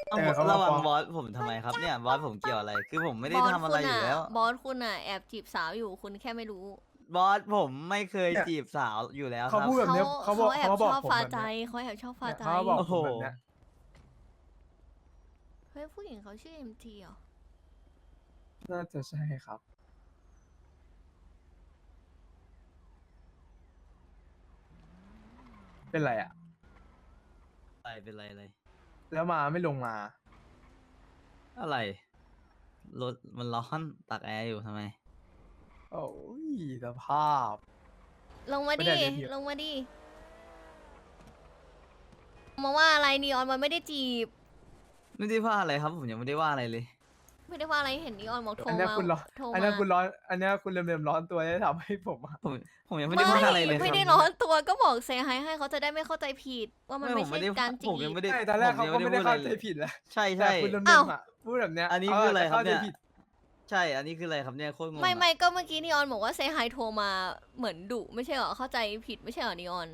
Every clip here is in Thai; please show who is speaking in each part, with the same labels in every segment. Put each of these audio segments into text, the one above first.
Speaker 1: ต้อง
Speaker 2: เขามา
Speaker 1: ระวัง
Speaker 2: ฟ้อง
Speaker 1: บอสผมทำไมครับเนี่ยบอสผมเกี่ยวอะไรคือผมไม่ได้ทำอะไรอยู่แล้ว
Speaker 3: บอสคุณอ่ะแอบจีบสาวอยู่คุณแค่ไม่รู้
Speaker 1: บอสผมไม่เคย
Speaker 2: เนี่ย
Speaker 1: จีบสาวอยู่แล้วค
Speaker 2: เขา
Speaker 1: รับ
Speaker 2: พูดแบบ
Speaker 3: เขา
Speaker 2: เนี้ยเขาบอก
Speaker 3: แอ
Speaker 2: เขา
Speaker 3: บ
Speaker 2: มาบ
Speaker 3: ช
Speaker 2: อก
Speaker 3: อบ
Speaker 2: ผม
Speaker 3: ฟา
Speaker 2: แบบ
Speaker 3: ใจ
Speaker 2: เนี้ย
Speaker 3: เขาแอบชอบฟา
Speaker 2: เนี่ย
Speaker 3: ใจ
Speaker 2: เขามาบอก
Speaker 1: โอ้
Speaker 2: ผ
Speaker 1: โห
Speaker 2: มแบบเนี้ย
Speaker 3: เฮ้ยผู้หญิงเขาชื่อเอ็มทีเหรอ
Speaker 2: น่าจะใช่ครับ เป็นไรอ่ะ
Speaker 1: อะไรเป็นไรอะไร
Speaker 2: แล้วมาไม่ลงมา
Speaker 1: อะไรรถมันร้อนตากแอร์อยู่ทำไม
Speaker 2: โอ้ยสภาพ
Speaker 3: ลงมา
Speaker 2: ไม่
Speaker 3: ดิ
Speaker 2: ได้เรียกพี่
Speaker 3: ลงมาดิมาว่าอะไรนีออนมันไม่ได้จีบ
Speaker 1: ไม่ได้ว่าอะไรครับผมยังไม่ได้ว่าอะไรเลย
Speaker 3: ไม่ได้ว่าอะไรเห็นนีออนบอกโทร
Speaker 2: อันเนี้ย
Speaker 3: มา
Speaker 2: คุณร้อน
Speaker 3: โทร
Speaker 2: อัน
Speaker 3: มา
Speaker 2: เนี้ยคุณร้อน อันเนี้ยคุณเริ่มร้อนตัวได้ทำให้ผมอะ
Speaker 1: ผมยังไม่ได้ว่าอะไรเลย
Speaker 3: ไม่
Speaker 1: ค
Speaker 3: ได้
Speaker 1: รับ
Speaker 3: ร้อนตัวก็บอกเซฮายให้เขาจะได้ไม่เข้าใจผิดว่ามัน
Speaker 1: ผ
Speaker 3: ไม่
Speaker 1: ม
Speaker 3: ใช่
Speaker 1: ไม่ได้
Speaker 3: การจี
Speaker 1: ผมยัง
Speaker 3: บ
Speaker 1: ไม่ได้
Speaker 2: ใช่ตอนแรกเขาก็ไม่ได้เข้าใจ
Speaker 1: พูดอะรลย
Speaker 2: ผิดแล้ว
Speaker 1: ใช่
Speaker 2: แต่
Speaker 1: ใช่
Speaker 2: คุณเริ่ม
Speaker 3: อ้าว
Speaker 2: อะพูดแบบเนี้ย
Speaker 1: อันนี้คืออะไรครับเนี่ย
Speaker 2: ขาาจจผิด
Speaker 1: ใช่ อันนี้คืออะไรครับเนี่ยโคตรงง
Speaker 3: ไม่
Speaker 1: อะ
Speaker 3: ไม่ก็เมื่อกี้นีออนบอกว่าเซฮายโทรมาเหมือนดุไม่ใช่เหรอเข้าใจผิดไม่ใช่เหรอนีออน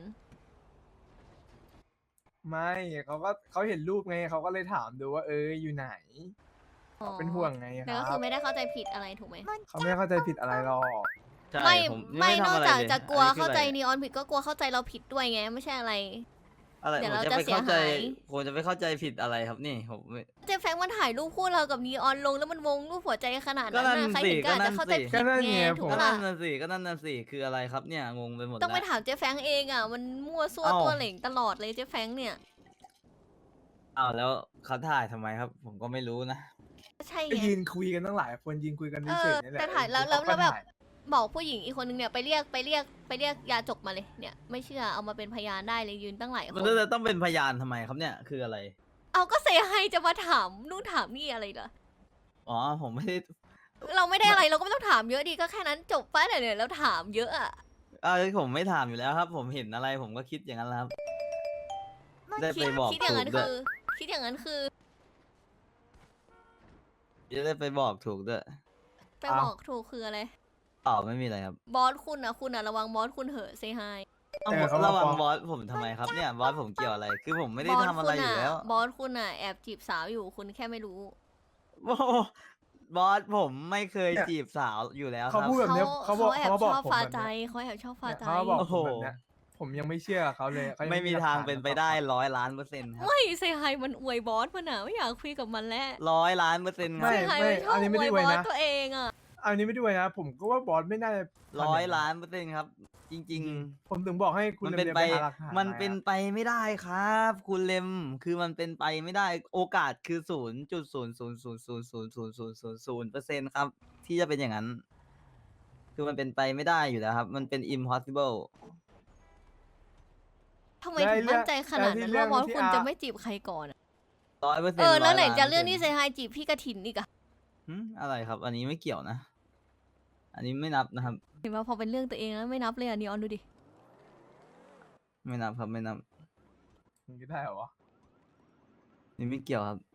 Speaker 2: ไม่เขาเห็นรูปไงเขาก็เลยถามดูว่าอยู่ไหน
Speaker 3: อ๋อ
Speaker 2: เป็นห่วงไงค
Speaker 3: แต่ก็
Speaker 2: รั
Speaker 3: คือบ ไม่ได้เข้าใจผิดอะไรถูกไหม
Speaker 2: เขาไม่เข้าใจผิดอะไรหรอก
Speaker 1: ใช่
Speaker 3: ไม่
Speaker 1: ผมยัง
Speaker 3: ไม่
Speaker 1: ด้
Speaker 3: น
Speaker 1: ทำ
Speaker 3: อก
Speaker 1: อะไร
Speaker 3: จาก
Speaker 1: เลย
Speaker 3: จะกลัว
Speaker 1: อันนี้คือ
Speaker 3: เข้าใจ
Speaker 1: อะไร
Speaker 3: นีออนผิดก็กลัวเข้าใจเราผิดด้วยไงไม่ใช่อะไร
Speaker 1: อะไร
Speaker 3: เดี๋ยว
Speaker 1: ผม
Speaker 3: เรา
Speaker 1: จะ
Speaker 3: จะ
Speaker 1: ไปเข้าใจ
Speaker 3: เสียหาย
Speaker 1: ผมจะไปเข้าใจผิดอะไรครับนี่ผมไม่
Speaker 3: เจฟแฟงมันถ่ายรูปคู่เรากับนีออนลงแล้วมันวงรูปหัวใจขนาด
Speaker 1: ก็
Speaker 3: นั้น
Speaker 1: นั่น
Speaker 3: นะใครเห็น
Speaker 1: สิ
Speaker 3: ก็อาจ
Speaker 1: ก็นั่
Speaker 3: จะ
Speaker 1: น
Speaker 3: เข้าใจ
Speaker 1: สิ
Speaker 3: ผิดไงถูก
Speaker 1: ก็
Speaker 3: ปะ
Speaker 1: นั่
Speaker 3: ล่ะ
Speaker 1: นน่ะสิก็นั่นน่ะสิคืออะไรครับเนี่ยงงไปหมด
Speaker 3: ต้องไป
Speaker 1: แล้ว
Speaker 3: ถามเจฟแฟงเองอ่ะมันมั่วซั่ว
Speaker 1: เอ้า
Speaker 3: ตัวเหล่งตลอดเลยเจฟแฟงเนี่ย
Speaker 1: อ้าวแล้วเขาถ่ายทำไมครับ ผมก็ไม่รู้นะ
Speaker 3: ใช่
Speaker 2: ก็
Speaker 3: ไง
Speaker 2: ยืนคุยกันตั้งหลายคนยืนคุยกัน
Speaker 3: เอ
Speaker 2: เฉ
Speaker 3: อย
Speaker 2: ๆนี่แหละ
Speaker 3: แต่ถ่ายแล้ว
Speaker 2: เขาก็
Speaker 3: แบบ
Speaker 2: ถ่าย
Speaker 3: บอกผู้หญิงอีกคนนึงเนี่ยไปเรียกยาจกมาเลยเนี่ยไม่เชื่อเอามาเป็นพยานได้เลยยืนตั้งหลายค
Speaker 1: มัน
Speaker 3: น
Speaker 1: จะต้องเป็นพยานทำไมครับเนี่ยคืออะไร
Speaker 3: เอาก็เซให้จะมาถามนู่นถามนี่อะไรเหรอ
Speaker 1: อ๋อผมไม่ได้
Speaker 3: เราไม่ได้อะไรเราก็ไม่ต้องถามเยอะดีก็แค่นั้นจบไปเนี่ยเราถามเยอะอ่ะ
Speaker 1: ผมไม่ถามอยู่แล้วครับ ผมเห็นอะไรผมก็คิดอย่างนั้นแหล้วครับ ได้ไปบอก
Speaker 3: คิดอย่างนั้น
Speaker 1: ถูกด้วย
Speaker 3: คือคิดอย่างนั้นคือ
Speaker 1: จะได้ไปบอกถูกด้วย
Speaker 3: ไปบอกถูกคืออะไร
Speaker 1: อ๋อไม่มีอะไรครับ
Speaker 3: บอสคุณอะระวังบอสคุณเหอะเซฮาย
Speaker 2: เขามา
Speaker 1: ระวัง
Speaker 2: ฟ้อง
Speaker 1: บอสผมทำไมครับเนี่ยบอสผมเกี่ยวอะไร คือผมไม่ได้ทำอะไรอยู่แล้ว
Speaker 3: บอสคุณอะแอบจีบสาวอยู่คุณแค่ไม่รู้
Speaker 1: โอ้โหบอสผมไม่เคย
Speaker 2: เนี่ย
Speaker 1: จีบสาวอยู่แล้วค
Speaker 2: เขา
Speaker 1: รับ
Speaker 2: พูดแบบเนี้ยเขาบอก
Speaker 3: แอบ
Speaker 2: เขา
Speaker 3: ช
Speaker 2: บอก
Speaker 3: อบ
Speaker 2: ผม
Speaker 3: ฟา
Speaker 2: แบบ
Speaker 3: ใจ
Speaker 2: เนี้ย
Speaker 3: เขาแอบชอบฟา
Speaker 2: เนี่ย
Speaker 3: ใจ
Speaker 2: เขาบอก
Speaker 1: โอ้
Speaker 2: ผ
Speaker 1: โห
Speaker 2: มแบบเนี้ยผมยังไม่เชื่อเขาเลยเขายัง
Speaker 1: ไม่มี
Speaker 2: หลัก
Speaker 1: ทาง
Speaker 2: ฐ
Speaker 1: เป็นไปได้100,000,000%ครับ
Speaker 3: ไม่เซฮายมันอวยบอสมันอะไม่อยากคุยกับมันแล้ว
Speaker 1: 100,000,000%ครั
Speaker 2: ไม่
Speaker 1: บ
Speaker 3: เซฮาย
Speaker 2: ไม่
Speaker 3: มันชอบ
Speaker 2: อันนี้ไม่
Speaker 3: อ
Speaker 2: ได้
Speaker 3: วย
Speaker 2: ไว้
Speaker 3: บอส
Speaker 2: นะ
Speaker 3: ตัวเองอะ
Speaker 2: อันนี้ไม่ด้วยนะ ผมก็ว่าบอสไม่น่าจะทำอย่างนั้น
Speaker 1: 100,000,000%ครับ จริง ๆ
Speaker 2: ผมถึงบอกให้คุณ
Speaker 1: มัน
Speaker 2: เรี
Speaker 1: เป็
Speaker 2: ย
Speaker 1: น
Speaker 2: น
Speaker 1: ไป
Speaker 2: ไปหาหลักฐาน
Speaker 1: มันเป็นไปไม่ได้ครับ คุณเลมคือมันเป็นไปไม่ได้ โอกาสคือ0.000000000%ครับ ที่จะเป็นอย่างนั้น คือมันเป็นไปไม่ได้อยู่แล้วครับ มันเป็น impossible
Speaker 3: ทำไมถึงมั่นใจขนาดนั้นว่าบอสคุณจะไม่จีบใครก่อนอะ
Speaker 1: 100%
Speaker 3: แล้วไหนจะเรื่อง
Speaker 1: 100,000,000%
Speaker 3: ที่เซฮายจีบพี่กระถินอีกอะ
Speaker 1: อะไรครับ อันนี้ไม่เกี่ยวนะ อันนี้ไม่นับนะครับ
Speaker 3: เห็นว่าพอเป็นเรื่องตัวเองแล้วไม่นับเลยอะนีออนดูดิ
Speaker 1: ไม่นับครับไม่นับ
Speaker 2: มันก็ได้เหรอวะ
Speaker 1: นี่ไม่เกี่ยวครับ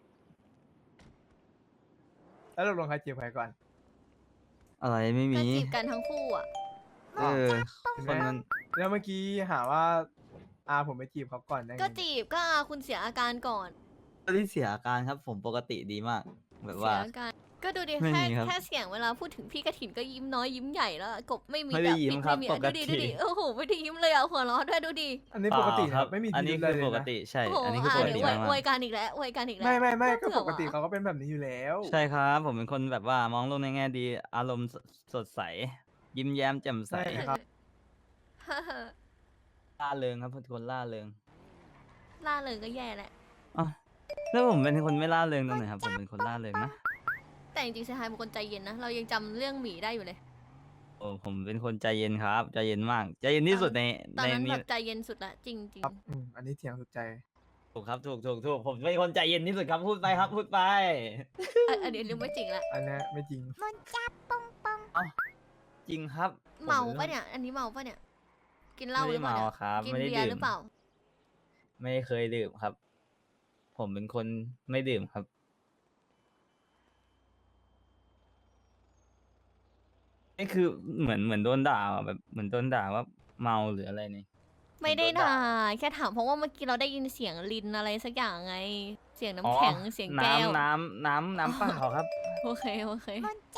Speaker 2: แล้วเราลงใครจีบใครก่อน
Speaker 1: อะไรไม่
Speaker 3: ก็
Speaker 1: มี
Speaker 3: จีบกันทั้งคู่อะ
Speaker 1: เออ
Speaker 2: เห็น
Speaker 1: ค
Speaker 2: ไหม
Speaker 1: นนั้น
Speaker 2: แล้วเมื่อกี้หาว่าผมไปจีบเขาก่อนได้ไง
Speaker 3: ก็จีบก็คุณเสียอาการก่อน
Speaker 1: ก็ที่เสียอาการครับ ผมปกติดีมาก แบบ
Speaker 3: เสี
Speaker 1: ว่า
Speaker 3: ยอาการก็ดูดิ
Speaker 1: ไม่
Speaker 3: แค่
Speaker 1: มีครับ
Speaker 3: แค่เสียงเวลาพูดถึงพี่กระถินก็ยิ้มน้อยยิ้มใหญ่แล้วอะกบไม่มี
Speaker 1: ไม่ได้
Speaker 3: แบบ
Speaker 1: ยิ้ม
Speaker 3: ปิ๊ก
Speaker 1: ครับ
Speaker 3: ไม่มีอะ
Speaker 1: ปก
Speaker 3: ดูดิ
Speaker 1: ติ
Speaker 3: ดูดิโอ้โหไม่ได้ยิ้มเลยอะหัวเราะด้วยดูดิ
Speaker 2: อันนี้ปกติ
Speaker 1: เป
Speaker 2: ค
Speaker 1: ล่า
Speaker 2: รับไม่มี
Speaker 1: อันนี้
Speaker 2: พิ
Speaker 1: คื
Speaker 2: รุ
Speaker 1: อ
Speaker 2: ธะไร
Speaker 1: ป
Speaker 2: เลย
Speaker 1: ก
Speaker 2: นะ
Speaker 1: ติใช่
Speaker 3: โอ้โห
Speaker 1: อันนี้คือปก
Speaker 3: เดี๋
Speaker 1: ติ
Speaker 3: ยวอวย
Speaker 1: มาก
Speaker 3: อวยกันอีกแล้วอวยกันอีกแล้ว
Speaker 2: ไม่ก็
Speaker 3: เบื่อ
Speaker 2: ปกติ
Speaker 3: ว่ะ
Speaker 2: เขาก็เป็นแบบนี้อยู่แล้ว
Speaker 1: ๆใช่ครับ ผมเป็นคนแบบว่ามองโลกในแง่ดี อารมณ์สดใส ยิ้มแย้มแจ่มใส
Speaker 2: ใช่ครับ
Speaker 1: ล่าเริงครับเป็นคนล่าเริง
Speaker 3: ล่าเลยก็แย่แหละ
Speaker 1: อ๋อแล้วผมเป็นคนไม่ล่าเริงตรงไหนครับ ผมเป็นคนล่าเริงนะ
Speaker 3: แต่จริงๆเซฮายเป็นคนใจเย็นนะเรายังจำเรื่องหมีได้อยู่เลย
Speaker 1: โอ้ผมเป็นคนใจเย็นครับ ใจเย็นมาก ใจเย็นที่สุดใน
Speaker 3: ตอนนั้น
Speaker 1: นี้
Speaker 3: แบบใจเย็นสุดละจริง
Speaker 2: ครับอันนี้เถียงสุดใจ
Speaker 1: ถูกครับถูกผมเป็นคนใจเย็นที่สุดครับพูดไปครับพูดไป
Speaker 3: ๆอันนี้เรื่องไม่จริงละ
Speaker 2: อันนี้ไม่จริง
Speaker 1: จริงครับ
Speaker 3: เมา
Speaker 1: ผ
Speaker 3: ปะเนี่ย อันนี้เมาปะเนี่ย กินเหล้าห
Speaker 1: ไม่
Speaker 3: รือ
Speaker 1: ได้
Speaker 3: เปล่า
Speaker 1: เมา
Speaker 3: เนี่ย
Speaker 1: ครับ
Speaker 3: กิน
Speaker 1: ไม่ได้
Speaker 3: เบียร์
Speaker 1: ดื่
Speaker 3: ห
Speaker 1: ม
Speaker 3: รือเปล่า
Speaker 1: ไม่เคยดื่มครับ ผมเป็นคนไม่ดื่มครับ นี่คือเหมือนโดนด่าอะแบบเหมือนโดนด่าว่าเมาหรืออะไรนี่
Speaker 3: ไม่ได้
Speaker 1: โดนด่า
Speaker 3: ด่าแค่ถามเพราะว่าเมื่อกี้เราได้ยินเสียงลินอะไรสักอย่างไงเสียง
Speaker 1: อ๋อ
Speaker 3: น้ำแข็งเสียงแก้ว
Speaker 1: น้ำเปล่าครับ
Speaker 3: โอเคโอเค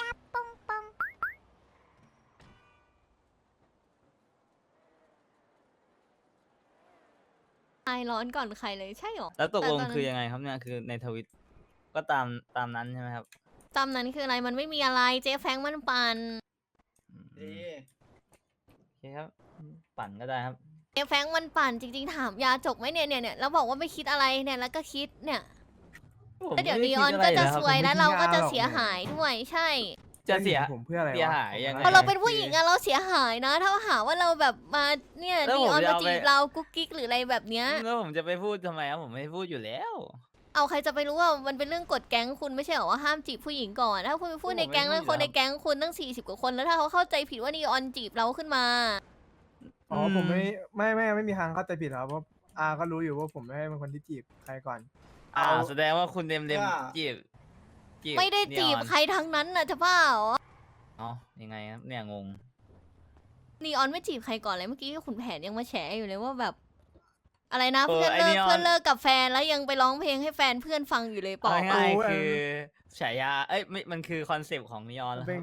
Speaker 3: คลายร้อนก่อนใครเลยใช่หรอ
Speaker 1: แล้วตกลง
Speaker 3: แต่นนั้น
Speaker 1: คือยังไงครับเนี่ยคือในทวิตก็ตามนั้นใช่ไหมครับ
Speaker 3: จำนั้นคืออะไรมันไม่มีอะไรเจ๊แฟงมันปั่น
Speaker 1: อืมโอเคครับปั่นก็ได้ครับ
Speaker 3: เจ๊แฟงมันปั่นจริงๆถามยาจกไหมเนี่ยแล้วบอกว่าไม่คิดอะไรเนี่ยแล้วก็คิดเนี่ยแล้วเดี๋ยวนีออนก็จะซวยแล้วเราก็จะเสียหายด้วยใช่
Speaker 1: จะเสีย
Speaker 2: ผมเพื่ออะไรวะ
Speaker 1: เสียหายยังไง
Speaker 3: พอเราเป็นผู้หญิงอะเราเสียหายนะ ถ้าหาว่าเราแบบมาเนี่ย
Speaker 1: แล้ว
Speaker 3: นี
Speaker 1: ผม
Speaker 3: ออน
Speaker 1: จะ
Speaker 3: มา
Speaker 1: เอา
Speaker 3: จี
Speaker 1: ไป
Speaker 3: บเรากุ๊กกิ๊กหรืออะไรแบบเนี้ย
Speaker 1: แล้วผมจะไปพูดทำไมครับผมไม่พูดอยู่แล้ว
Speaker 3: เอาใครจะไปรู้ว่ามันเป็นเรื่องกฎแก๊งคุณไม่ใช่เหรอว่าห้ามจีบผู้หญิงก่อนถ้าคุณไปพูดในแก๊งแล้วคนในแก๊งคุณตั้ง40กว่าคนแล้วถ้าเขาเข้าใจผิดว่านีออนจีบเราขึ้นมา
Speaker 2: อ๋อผมไม่มีทางเข้าใจผิดครับเพราะอาก็รู้อยู่ว่าผมไม่ได้เป็นคนที่จีบใครก่อน
Speaker 1: แสดงว่าคุณเดมจีบ
Speaker 3: ไม่ได้จีบ
Speaker 1: นีออน
Speaker 3: ใครทั้งนั้นน่ะจะบ้าเหรอ
Speaker 1: อ๋อยังไงครับเนี่ยงง
Speaker 3: นีออนไม่จีบใครก่อนเลยเมื่อกี้ขุนแผนยังมาแฉอยู่เลยว่าแบบ อะไรนะ
Speaker 1: เออ
Speaker 3: เพื่อน
Speaker 1: ไอ้
Speaker 3: เลิก
Speaker 1: นีออน
Speaker 3: เพื่อนเลิกกับแฟนแล้วยังไปร้องเพลงให้แฟนเพื่อนฟังอยู่เลยบอก
Speaker 1: เอา
Speaker 3: ว่า
Speaker 1: ง่าย
Speaker 2: โอ้
Speaker 1: ๆ
Speaker 2: ย
Speaker 1: คือฉายาเอ้ยไม่มันคือคอนเซปต์ของนีออนแล้วค
Speaker 2: เป็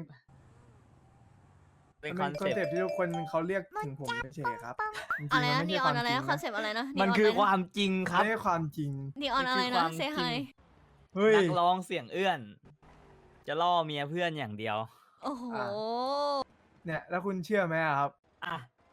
Speaker 1: รั
Speaker 2: น
Speaker 1: บเป็น
Speaker 2: มัน
Speaker 1: ค
Speaker 2: เป็
Speaker 1: อน น
Speaker 2: คอน
Speaker 1: เซป
Speaker 2: เซป
Speaker 1: ต์
Speaker 2: ต์ที่ทุกคนเขาเรียกถึงผมเฉยๆครับจริงๆ
Speaker 3: อะไร
Speaker 2: มั
Speaker 3: นะ
Speaker 2: ม่
Speaker 3: นี
Speaker 2: ใช่
Speaker 3: ออนอะไร
Speaker 2: จ
Speaker 3: นะ
Speaker 2: ง
Speaker 3: คอนเซปต์อะไรนะ
Speaker 1: มันคือความจริงครับ
Speaker 2: ไม่ใช่ความจริง
Speaker 3: นีออนอะไร
Speaker 1: มั
Speaker 3: นะ
Speaker 1: คือ
Speaker 3: เซ
Speaker 1: ความ
Speaker 3: ฮาย
Speaker 1: จริง
Speaker 2: เฮ้ย
Speaker 1: นักร้องเสียงเอื้อน จะล่อเมียเพื่อนอย่างเดียว
Speaker 3: โอ้โห
Speaker 2: อ่ะ เนี่ยแล้วคุณเชื่อไหมอะครับ
Speaker 1: อ่ะ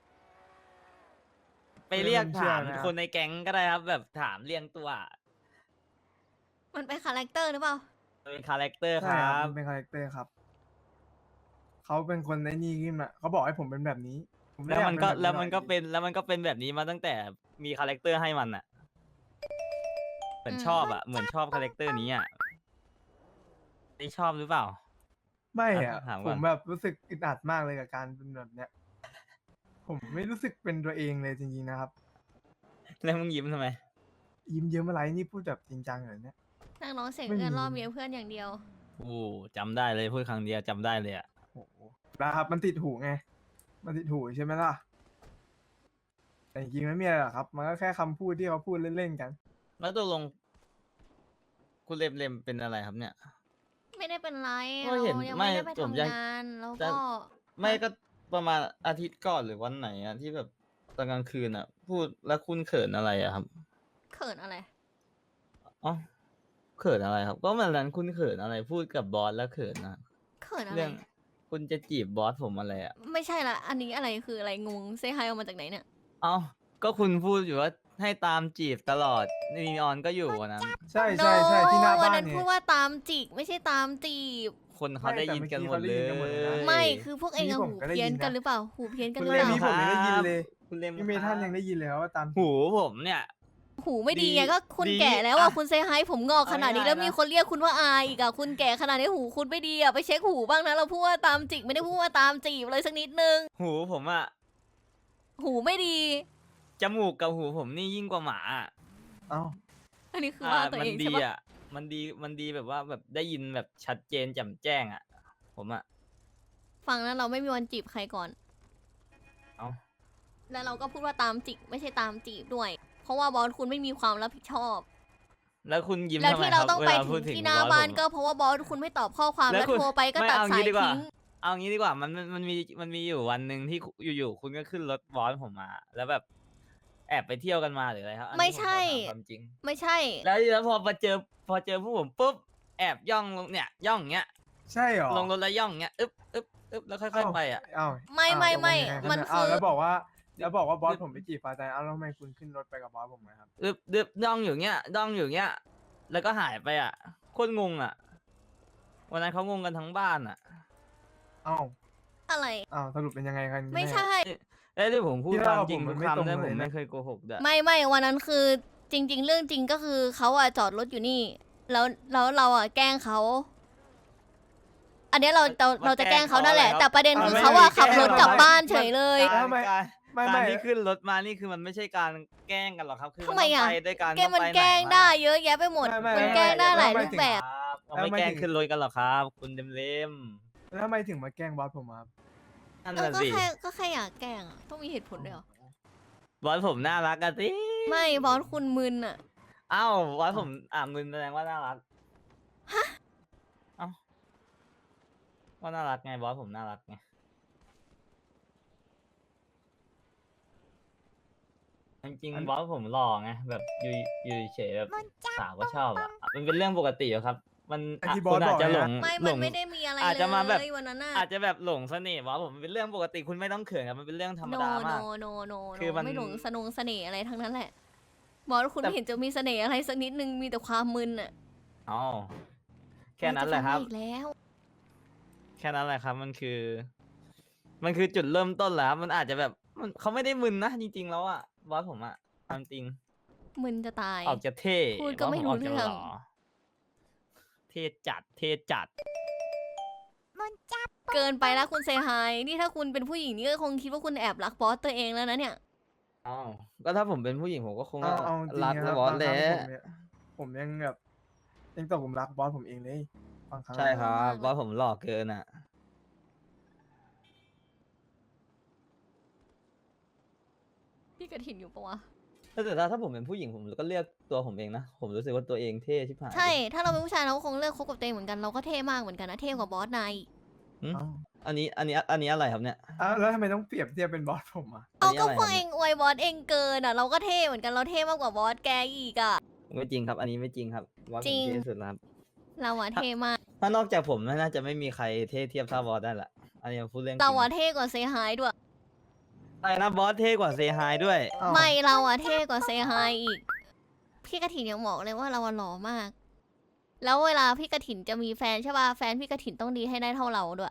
Speaker 1: ไปเรียก
Speaker 2: เชื่อ
Speaker 1: ถาม
Speaker 2: นะครับ
Speaker 1: คนในแก๊งก็ได้ครับ แบบถามเรียงตัว
Speaker 3: มันเป็นคาแรคเตอร์หรือเปล่า
Speaker 1: เป็นคาแรคเตอร์ค
Speaker 2: ใช่
Speaker 1: รั
Speaker 2: ครับ บมันเป็นคาแรคเตอร์ครับเขาเป็นคนไอ้นี่ขึ้นมาเขาบอกให้ผมเป็นแบบนี้ผมไได้
Speaker 1: แล้วมันก็
Speaker 2: อยา
Speaker 1: แล้วมันก็
Speaker 2: บบ
Speaker 1: เป็นแล้วมันก็เป็นแบบนี้มาตั้งแต่มีคาแรคเตอร์ให้มันอ่ะเหมือนชอบอ่ะเหมือนชอบคาแรคเตอร์นี้อ่ะได้ชอบหรือเปล่า
Speaker 2: ไม่อะ
Speaker 1: ถามก่
Speaker 2: ผ
Speaker 1: อน
Speaker 2: มแบบรู้สึกอึดอัดมากเลยกับการเป็นแบบเนี้ย ผมไม่รู้สึกเป็นตัวเองเลยจริงๆนะครับ
Speaker 1: แล้วมึงยิ้มทำไม
Speaker 2: ยิ้มเยิ้มอะไรนี่พูดแบบจริงจังเหรอเนี่ย
Speaker 3: นั่งร้องเสียง
Speaker 2: ไม่
Speaker 3: เอื้อน
Speaker 2: มี
Speaker 3: ล่อเมียเพื่อนอย่างเดียว
Speaker 1: โอ้จำได้เลยพูดครั้งเดียวจำได้เลยอ่ะ
Speaker 2: โอ้โหนะครับมันติดหูไง มันติดหูใช่ไหมล่ะ แต่จริงๆไม่มีอะไรหรอกครับ มันก็แค่คำพูดที่เขาพูดเล่นๆกัน
Speaker 1: แล้วตกลง คุณเลมเป็นอะไรครับเนี่ย
Speaker 3: ไม่ได้เป็นไร
Speaker 1: ก็
Speaker 3: เรา
Speaker 1: เห็น
Speaker 3: ยัง
Speaker 1: ไม่
Speaker 3: ไม่ได้ไป
Speaker 1: ผม
Speaker 3: ทำ
Speaker 1: ยัง
Speaker 3: งานแล้ว
Speaker 1: จะ
Speaker 3: ก็
Speaker 1: ไม่ก็ประมาณอาทิตย์ก่อนหรือวันไหนอ่ะที่แบบตอนกลางคืนอ่ะ พูดแล้วคุณเขินอะไรอ่ะครับ
Speaker 3: เขินอะไร
Speaker 1: อ๋อเขินอะไรครับ ก็วันนั้นคุณเขินอะไรพูดกับบอสแล้วเขินนะ
Speaker 3: เขินอะไร
Speaker 1: เรื่องคุณจะจีบบอสผมอะไรอ่ะ
Speaker 3: ไม่ใช่ละ อันนี้อะไรคืออะไรงงเซฮายออกมาจากไหนเนี่ย
Speaker 1: เอ้าก็คุณพูดอยู่ว่าให้ตามจีบตลอดนีออนก็อยู่วันนั้น
Speaker 2: ใช่ที่หน้า
Speaker 3: วั
Speaker 2: บ้าน
Speaker 3: นั้น
Speaker 2: เนี่
Speaker 3: พู
Speaker 2: ย
Speaker 3: ดว่าตามจีกไม่ใช่ตามจีบ
Speaker 1: คนเขาได้ยินกันหมด
Speaker 2: ไม่
Speaker 1: เล
Speaker 2: แต่
Speaker 1: ย
Speaker 2: เมื่อกี้เขาได้ยินกันหมดเลยนะ
Speaker 3: ไม่คือพวกเอง
Speaker 2: นี่
Speaker 3: อะ
Speaker 2: ผม
Speaker 3: หู
Speaker 2: ก็ได้
Speaker 3: เพี้ยน
Speaker 2: ยินนะ
Speaker 3: กันหรือเปล่า หูเพี้ยนกัน
Speaker 2: คุ
Speaker 3: ห
Speaker 2: ณ
Speaker 3: รือ
Speaker 2: เล
Speaker 3: เป
Speaker 2: มี่
Speaker 3: ล่า
Speaker 2: ผมยังได้ยินเลย
Speaker 1: คุณเลม
Speaker 2: พี่เมทันยังได้ยินเลยว่าตาม
Speaker 1: หูผมเนี่ย
Speaker 3: หูไม่ดีไง
Speaker 1: ดี
Speaker 3: ก็คุณ
Speaker 1: ดี
Speaker 3: แก่แล้วอะ
Speaker 1: อ่ะ
Speaker 3: คุณเซฮายผมงอกขนาดนี้
Speaker 1: เอาง่ายๆ
Speaker 3: แล้วมี
Speaker 1: นะ
Speaker 3: คนเรียกคุณว่าอาอีกอะคุณแก่ขนาดนี้หูคุณไม่ดีอะไปเช็คหูบ้างนะเราพูดว่าตามจิกไม่ได้พูดว่าตามจีบเลยสักนิดนึง
Speaker 1: หูผมอ่ะ
Speaker 3: หูไม่ดี
Speaker 1: จมูกกับหูผมนี่ยิ่งกว่าหมาอะ
Speaker 2: เอ้า
Speaker 3: อันนี้คือว่าตัว
Speaker 1: มั
Speaker 3: เอง
Speaker 1: ดี
Speaker 3: ใช่ปะ
Speaker 1: อ่ะมันดีแบบว่าแบบได้ยินแบบชัดเจนแจ่มแจ้งอ่ะ ผมอ่ะ
Speaker 3: ฟังนะเราไม่มีวันจีบใครก่อน
Speaker 1: เอ้า
Speaker 3: แล้วเราก็พูดว่าตามจิกไม่ใช่ตามจีบด้วย เพราะว่าบอสคุณไม่มีความรับผิดชอบ
Speaker 1: แล้วคุณยิ้ม
Speaker 3: แล้ว
Speaker 1: ทำไม
Speaker 3: ที่
Speaker 1: ค
Speaker 3: เรา
Speaker 1: รับ
Speaker 3: ต้อง
Speaker 1: เว
Speaker 3: ไป
Speaker 1: ลา
Speaker 3: ถึ
Speaker 1: พูด
Speaker 3: ง
Speaker 1: ถึง
Speaker 3: ที่หน้า
Speaker 1: บอส
Speaker 3: บ้าน
Speaker 1: ผม
Speaker 3: ก็
Speaker 1: อะ
Speaker 3: เพราะว่าบอสคุณไม่ตอบข้อความ
Speaker 1: แล้ว
Speaker 3: แล้ว
Speaker 1: คุณ
Speaker 3: โทรไปก็
Speaker 1: ไม่
Speaker 3: ตัด
Speaker 1: เอางี้
Speaker 3: สาย
Speaker 1: ดีกว่า
Speaker 3: ทิ้ง
Speaker 1: เอางี้ดีกว่ามันมีอยู่วันหนึ่งที่อยู่ๆคุณก็ขึ้นรถบอสผมมา แล้วแบบแอบไปเที่ยวกันมาหรืออะไรครับอันนี้
Speaker 3: ไม่ใช่
Speaker 1: ผมขอถามความจริง
Speaker 3: ไม่ใช่
Speaker 1: แล้วพอเจอผู้ผมปุ๊บแอบย่องลงเนี่ยย่องเงี้ย
Speaker 2: ใช่เหรอ
Speaker 1: ลงรถแล้วย่องเงี้ยอึ๊บแล้วค่อยๆไปอ่ะ
Speaker 2: เอ้า
Speaker 3: ไม่
Speaker 2: เอ้า
Speaker 3: ไม่
Speaker 2: ตกลง
Speaker 3: ไม่
Speaker 2: ยังงรับ
Speaker 3: มัน
Speaker 2: เย
Speaker 3: คือ
Speaker 2: เาแล้วบอกว่าบอสผมไปจีบฟ้าใจเอ้าแล้วทำไมคุณขึ้นรถไปกับบอสผมนะครับ
Speaker 1: อึ๊บย่องอยู่เงี้ยย่องอยู่เงี้ยแล้วก็หายไปอ่ะโคตรงงอ่ะวันนั้นเขางงกันทั้งบ้านอ่ะ
Speaker 2: เอ้า
Speaker 3: อะไร
Speaker 2: สรุปเป็นยังไงกัน
Speaker 3: ไม่
Speaker 2: แน่
Speaker 3: ใช่
Speaker 1: แล้วที่ผมพูด
Speaker 2: ที่
Speaker 1: ควา
Speaker 2: เล่าม
Speaker 1: จริง
Speaker 2: ผมมั
Speaker 1: ทุ
Speaker 2: น
Speaker 1: ก
Speaker 2: ไม่ตรง
Speaker 1: คำนะ
Speaker 2: เลย
Speaker 1: ผม
Speaker 2: นะ
Speaker 1: ไม่เคยโกหกด้วย
Speaker 3: ไม่วันนั้นคือจริง ๆ เรื่องจริงก็คือเขาอะจอดรถอยู่นี่ แล้วเราอะแกล้งเขา อันเนี้ยเราจะแกล้งเขานั่นแหละ แต่ประเด็นคือเขาอะขับรถกลับบ้านเฉยเลย
Speaker 1: การ
Speaker 2: ทำไม
Speaker 1: การ
Speaker 2: ไม่
Speaker 1: การ
Speaker 2: ไม่
Speaker 1: ที่ขึ้นรถมานี่คือมันไม่ใช่การแกล้งกันหรอกครับคือ
Speaker 3: ทำไมอะ
Speaker 1: นต้งปด้วยกัน
Speaker 3: แกมัน
Speaker 1: ต้องไป
Speaker 3: แกล้ง
Speaker 1: หนมา
Speaker 3: ได้เยอะแยะไปหมด มันแกล้งได้หลายรูปแบบ
Speaker 1: ครับเราไม่แกล้งขึ้นรถกันหรอกครับ คุณเล่ม
Speaker 2: แล้วทำไมถึงมาแกล้งบอสผมอะครับ
Speaker 1: ๆนั่น
Speaker 3: เออ
Speaker 1: น่ะ
Speaker 3: ก็
Speaker 1: สิ
Speaker 3: แค่อยากแกล้งอะต้องมีเหตุผลด้วยเหรอ
Speaker 1: บอสผมน่ารักกันสิ
Speaker 3: ไม่บอสคุณมึนอะ
Speaker 1: อ้าวบอสผมมึนแสดงว่าน่ารักเอ้าว่าน่ารักไงบอสผมน่ารักไงจริงๆบอสผมหล่อไงแบบอยู่เฉยแบบสาวก็ชอบอ่ะมันเป็นเรื่องปกติอยู่ครับ มัน
Speaker 2: ไอ้
Speaker 1: อ่ะ
Speaker 2: ที่บอ
Speaker 1: คุ
Speaker 2: ส
Speaker 1: ณอาจจะ
Speaker 2: บอก
Speaker 1: หล
Speaker 2: นะ
Speaker 1: ง
Speaker 3: ไม่
Speaker 1: หล
Speaker 3: มัน
Speaker 1: ง
Speaker 3: ไม่ได้มีอะไร
Speaker 1: อาจจะมาแบบ
Speaker 3: เลยวันนั้นน่ะ
Speaker 1: อาจจะแบบหลงเสน่ห์บอสผมมันเป็นเรื่องปกติคุณไม่ต้องเขินครับมันเป็นเรื่องธรรม
Speaker 3: โน
Speaker 1: ดา
Speaker 3: โน
Speaker 1: มาก
Speaker 3: โนโน
Speaker 1: คือมัน
Speaker 3: ไม่หลงเสน่ห์อะไรทั้งนั้นแหละบอสคุณ
Speaker 1: แต่
Speaker 3: ไม่เห็นจะมีเสน่ห์อะไรสักนิดนึงมีแต่ความมึนอ่ะ
Speaker 1: อ๋อแค่นั้นแหละครับ
Speaker 3: อีกแล้ว
Speaker 1: แค่นั้นแหละครับ มันคือจุดเริ่มต้นแหละครับมันอาจจะแบบเขาไม่ได้มึนนะจริงๆแล้วอ่ะบอสผมอ่ะความจริง
Speaker 3: มึนจะตาย
Speaker 1: ออกจะเท่
Speaker 3: พูดก็ไม่รู้
Speaker 1: บสผกจะ
Speaker 3: เรื่อง
Speaker 1: หล่เท่จัดเท่จัด
Speaker 3: เกินไปแล้วคุณเซฮายนี่ถ้าคุณเป็นผู้หญิงนี่ก็คงคิดว่าคุณแอบรักบอสตัวเองแล้วนะเนี่ย
Speaker 1: อ้าวก็ถ้าผมเป็นผู้หญิงผมก็คง
Speaker 2: เอาจริง
Speaker 1: รัก
Speaker 2: นะ
Speaker 1: บอส
Speaker 2: บาง
Speaker 1: แห
Speaker 2: ค
Speaker 1: ละ
Speaker 2: รั้งผมยังแบบยังตกหลุมรักบอสผมเองเลยบางครั้ง
Speaker 1: ใช่ครับ
Speaker 3: มาก
Speaker 1: บอสผมหล่อเกินอ่ะ
Speaker 3: พี่กระถินอยู่ปะวะ
Speaker 1: แต่ถ้าผมเป็นผู้หญิงผมก็เลือกตัวผมเองนะผมรู้สึกว่าตัวเองเท่ชิบหาย
Speaker 3: ใช่ ถ้าเราเป็นผู้ชายเราก็คงเลือกคบกับตัวเองเหมือนกันเราก็เท่มากเหมือนกันนะเท่กว่าบอสนาย
Speaker 1: หึ
Speaker 2: เอ้า
Speaker 1: อันนี้อะไรครับเนี่ย
Speaker 2: แล้วทำไมต้องเปรียบเทียบเป็นบอสผมอ่ะ
Speaker 3: เอาก็
Speaker 1: อันนี้อะไร
Speaker 3: พวกเองอวยบอสเองเกินอ่ะเราก็เท่เหมือนกันเราเท่มากกว่าบอสแกอีกอ่ะ
Speaker 1: ไม่จริงครับ อันนี้ไม่จริงครับบอสผ
Speaker 3: จริ
Speaker 1: ม
Speaker 3: ง
Speaker 1: เท่สุดแล้วครับ
Speaker 3: เราอะเท่มาก
Speaker 1: ถ้านอกจากผมน่าจะไม่มีใครเท่เทียบเท่าบอสได้ละอันนี้ผมพูดเรื่องจริ
Speaker 3: เรา
Speaker 1: ง
Speaker 3: อะเท่กว่าเซฮายด้วย
Speaker 1: ใช่นะบอสเท่กว่าเซฮายด้วย
Speaker 2: อ้าว
Speaker 3: ไม่เราอะเท่กว่าเซฮายอีก พี่กระถินยังบอกเลยว่าเราอะหล่อมาก แล้วเวลาพี่กระถินจะมีแฟนใช่ป่ะแฟนพี่กระถินต้องดีให้ได้เท่าเราด้วย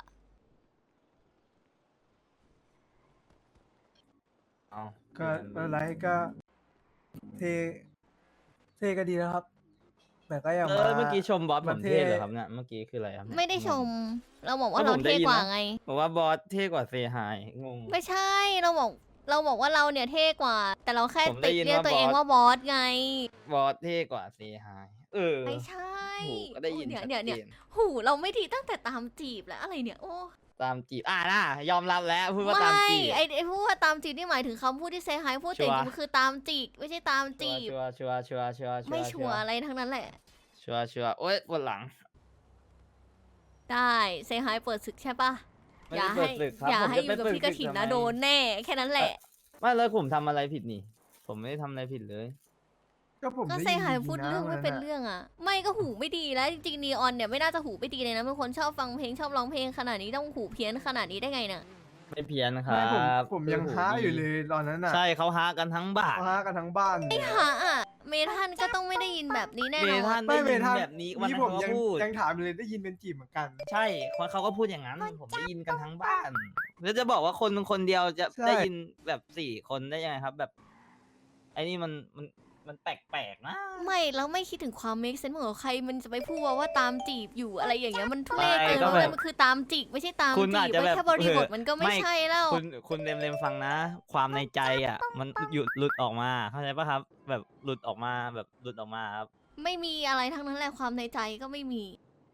Speaker 1: เอา
Speaker 2: ก็ไม่เป็นไรก็เทเทก็ดีแล้วครับ แต่ก็ยังมา
Speaker 1: เมื่อกี้ชมบอสผม
Speaker 2: มาเท่
Speaker 1: เท่เหรอครับเนี่ยเมื่อกี้คืออะไรครับเนี่ย
Speaker 3: ไม่ได้ชม เราบอกว่า
Speaker 1: ก็
Speaker 3: เรา
Speaker 1: ผมได้
Speaker 3: เท่
Speaker 1: ยิน
Speaker 3: กว่า
Speaker 1: นะ
Speaker 3: ไง
Speaker 1: บอกว่าบอสเท่กว่าเซฮายงง
Speaker 3: ไม่ใช่เราบอกว่าเราเนี่ยเท่กว่า แต่เราแค่
Speaker 1: ผมได้
Speaker 3: ติด
Speaker 1: ยิน
Speaker 3: เรียก
Speaker 1: ว่า
Speaker 3: ตัวเอง
Speaker 1: บอส
Speaker 3: ว่าบอสไง
Speaker 1: บอสเท่กว่าเซฮาย
Speaker 3: ไม่ใช่
Speaker 1: โหก็ได้ยิน
Speaker 3: เนี่ย
Speaker 1: ชัด
Speaker 3: เนี่ย
Speaker 1: เจ
Speaker 3: เนี่ย
Speaker 1: น
Speaker 3: หูเราไม่ดีตั้งแต่ตามจีบแล้วอะไรเนี่ยโอ้
Speaker 1: ตามจีบน่ะยอมรับแล้วพูดว่า
Speaker 3: ไม่
Speaker 1: ตามจีบ
Speaker 3: ไอ้พูดว่าตามจีบนี่หมายถึงคำพูดที่เซฮายพูด
Speaker 1: ชั
Speaker 3: แต่
Speaker 1: ว
Speaker 3: จ
Speaker 1: ร์
Speaker 3: ริงๆคือตามจีบไม่ใช่ตามจีบ
Speaker 1: ชัวร์
Speaker 3: ไม่ชัวร์อะไรทั้งนั้นแหละ
Speaker 1: ชัวร์โอ๊ยปวดหลัง
Speaker 3: ได้เซฮายเปิดศึกใช่ปะ
Speaker 1: ไม่
Speaker 3: อย่า
Speaker 1: ได้เปิ
Speaker 3: ให้
Speaker 1: ดศึกครับ
Speaker 3: อย่า
Speaker 1: ผม
Speaker 3: ให้
Speaker 1: จะ
Speaker 3: อ
Speaker 1: ไป
Speaker 3: ยู่กับ
Speaker 1: เปิด
Speaker 3: พี่กระถิน
Speaker 1: ศึก
Speaker 3: นะ
Speaker 1: ทำไม
Speaker 3: โดนแน่แค่นั้นแหละ
Speaker 1: ไม่แล้วผมทำอะไรผิดนี่ ผมไม่ได้ทำอะไรผิดเลย
Speaker 2: ก็ผม
Speaker 3: ก็
Speaker 2: ได้
Speaker 3: เซ
Speaker 2: ยิน
Speaker 3: ฮาย
Speaker 2: ดีๆ
Speaker 3: พูด
Speaker 2: นะ
Speaker 3: เรื่องไม่
Speaker 2: วั
Speaker 3: เป็น
Speaker 2: อะ
Speaker 3: เรื่องอ่ะ ไม่ก็หูไม่ดีแล้วจริงๆนีออนเนี่ยไม่น่าจะหูไม่ดีเลยนะเป็นคนชอบฟังเพลงชอบร้องเพลงขนาดนี้ต้องหูเพี้ยนขนาดนี้ได้ไงน่ะ
Speaker 1: ไม่เพี้ยนครั
Speaker 2: ไม่ผม
Speaker 1: บ
Speaker 2: ผมยัง
Speaker 1: คือ
Speaker 2: ท้า
Speaker 1: ดี
Speaker 2: อยู่เลยตอนนั้นน่ะ
Speaker 1: ใช่เขาฮากันทั้งบ้าน
Speaker 2: ท้ากันทั้งบ้านเลย
Speaker 3: หาอ่ะเมทันก็ต้องไม่ได้ยินแบบนี้แน่
Speaker 1: เม
Speaker 3: นอ
Speaker 1: ทั
Speaker 3: น
Speaker 1: น
Speaker 2: ไม่
Speaker 1: ได้
Speaker 2: เม
Speaker 1: ยิน
Speaker 2: ทัน
Speaker 1: แบบนี้วัน
Speaker 2: นี่
Speaker 1: นั้น
Speaker 2: ผม
Speaker 1: เขาก็
Speaker 2: ยัง
Speaker 1: พูด
Speaker 2: ยังถามเลยได้ยินเป็นจีบเหมือนกัน
Speaker 1: ใช่เขาก็พูดอย่างนั้น ผมได้ยินกันทั้งบ้าน แล้วจะบอกว่าคนเดียวจะ
Speaker 2: ใช่
Speaker 1: ได้ยินแบบ4 คนได้ยังไงครับ แบบไอ้นี่มันแปลกๆนะ
Speaker 3: ไม่แล้วไม่คิดถึงความ make sense ของใครมันจะไปพูดว่าตามจีบอยู่อะไรอย่างเงี้ยมันทุเรศเกิน
Speaker 1: ไม่ก็
Speaker 3: ว่า
Speaker 1: แบบ
Speaker 3: มันคือตามจีบไม่ใช่ตาม
Speaker 1: คุณ
Speaker 3: จี
Speaker 1: อาจ
Speaker 3: บ
Speaker 1: จะ
Speaker 3: ไว้
Speaker 1: แบบ
Speaker 3: แค่บริบท
Speaker 1: เออ
Speaker 3: มันก็ไม่
Speaker 1: ไม่
Speaker 3: ใช่แล้ว
Speaker 1: คุณเลมฟังนะ ความในใจอ่ะ มันหลุดออกมาเข้าใจปะครับ แบบหลุดออกมาครับ
Speaker 3: ไม่มีอะไรทั้งนั้นแหละความในใจก็ไม่มี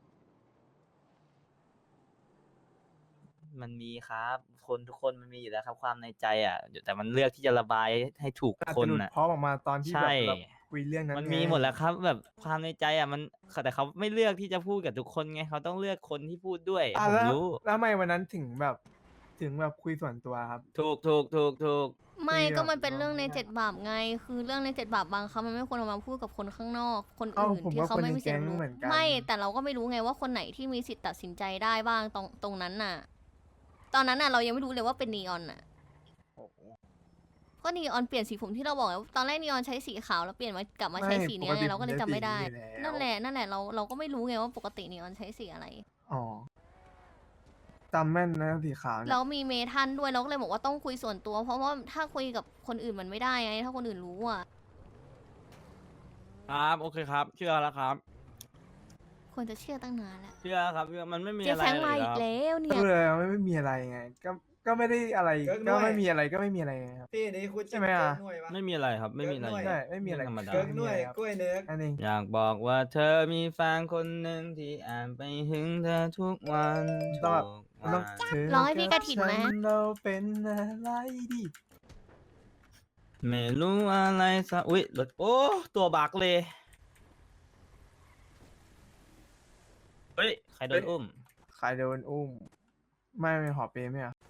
Speaker 1: มันมีครับ คนทุกคนมันมีอยู่แล้วครับ ความในใจอ่ะแต่มันเลือกที่จะระบายให้ถูก
Speaker 2: อาจ
Speaker 1: คน
Speaker 2: จะหลุด
Speaker 1: อ่ะ
Speaker 2: พร้อมออกมาตอนที่
Speaker 1: ใช่
Speaker 2: แบบเราคุยเรื่องนั้น
Speaker 1: มัน
Speaker 2: ไง
Speaker 1: มีหมดแล้วครับ แบบความในใจอ่ะมันแต่เขาไม่เลือกที่จะพูดกับทุกคนไงเขาต้องเลือกคนที่พูดด้วย
Speaker 2: อ่ะ
Speaker 1: ผม
Speaker 2: แล้ว
Speaker 1: รู้
Speaker 2: แล้วทำไมวันนั้นถึงแบบคุยส่วนตัวครับ
Speaker 1: ถูก
Speaker 3: ไม่
Speaker 2: คุย
Speaker 3: ก็
Speaker 2: แบบ
Speaker 3: มันเป็นเรื่องใน
Speaker 2: น้อง
Speaker 3: 7 บาปไง คือเรื่องใน7 บาปบางครั้งมันไม่ควรเอามาพูดกับคนข้างนอก คน
Speaker 2: เอ้า
Speaker 3: อื่น
Speaker 2: ผม
Speaker 3: ที่
Speaker 2: ว่า
Speaker 3: เขา
Speaker 2: คน
Speaker 3: ไม่
Speaker 2: ใน
Speaker 3: มีสิทธิ์
Speaker 2: แก๊ง
Speaker 3: รู้
Speaker 2: เหมือนกัน
Speaker 3: ไม่แต่เราก็ไม่รู้ไงว่าคนไหนที่มีสิทธิ์ตัดสินใจได้บ้างตรงนั้นน่ะ ตอนนั้นน่ะเรายังไม่รู้เลยว่าเป็นนีออนน่ะก็นีออนเปลี่ยนสีผมที่เราบอกไงตอนแรกนีออนใช้สีขาวแล้วเปลี่ยนมากลับมาใช้สีเนี้ยไงเราก็เลยจำไม่ได้ นั่นแหละเราก็ไม่รู้ไงว่าปกตินีออนใช้สีอะไร
Speaker 2: อ๋อจำแม่นนะสีขาวเนี่ย
Speaker 3: แล้วมีเมทันด้วยเราก็เลยบอกว่าต้องคุยส่วนตัว เพราะว่าถ้าคุยกับคนอื่นมันไม่ได้ไง ถ้าคนอื่นรู้อ่ะ
Speaker 1: ครับโอเคครับ เชื่อแล้วครับ
Speaker 3: ควรจะเชื่อตั้งนานแล้ว
Speaker 1: เชื่อครับเชื่อมันไม่มี
Speaker 3: เจ๊
Speaker 1: อะไร
Speaker 3: แฟง
Speaker 1: เล
Speaker 3: มาย อี
Speaker 1: ค
Speaker 3: ก
Speaker 1: รับ
Speaker 3: แล้วเนี่
Speaker 2: ก็
Speaker 3: ย
Speaker 2: เลยไม่มีอะไรไง ก็ไม่ได้อะไร
Speaker 4: เกิร์ก
Speaker 2: ก็
Speaker 4: ด้วย
Speaker 2: ไม่มีอะไรก็ไม่มีอะไรไงครับ
Speaker 4: พี่นี่คุณ
Speaker 2: ใช่ไหมอะ
Speaker 4: เกิร์กหน่วยวะ
Speaker 1: ไม่มีอะไรครับไม่มีอะไร
Speaker 4: เกิร์กหน่วย
Speaker 2: ใช่ไม่มีอะไร
Speaker 1: เงธรรมดา
Speaker 4: เกิร์กหน่วยกล้วยเนื้อ
Speaker 2: อันนี้
Speaker 1: อยากบอกว่าเธอมีแฟนคนหนึ่งที่แอบไปหึงเธอทุกวันทุก
Speaker 2: มัน
Speaker 1: วั
Speaker 2: ต้อง
Speaker 1: น
Speaker 2: เธอ
Speaker 3: ร้องให้พี่กฐินไหม
Speaker 2: บฉัเราเป็นอะไรดี
Speaker 1: ไม่รู้อะไรซะอุ้ยรถโอ้ตัวบักเลยเฮ้ยใครโดนอุ้ม
Speaker 2: ใครโดนอุ้ม ไม่หอเปรย์ไหมอ่ะ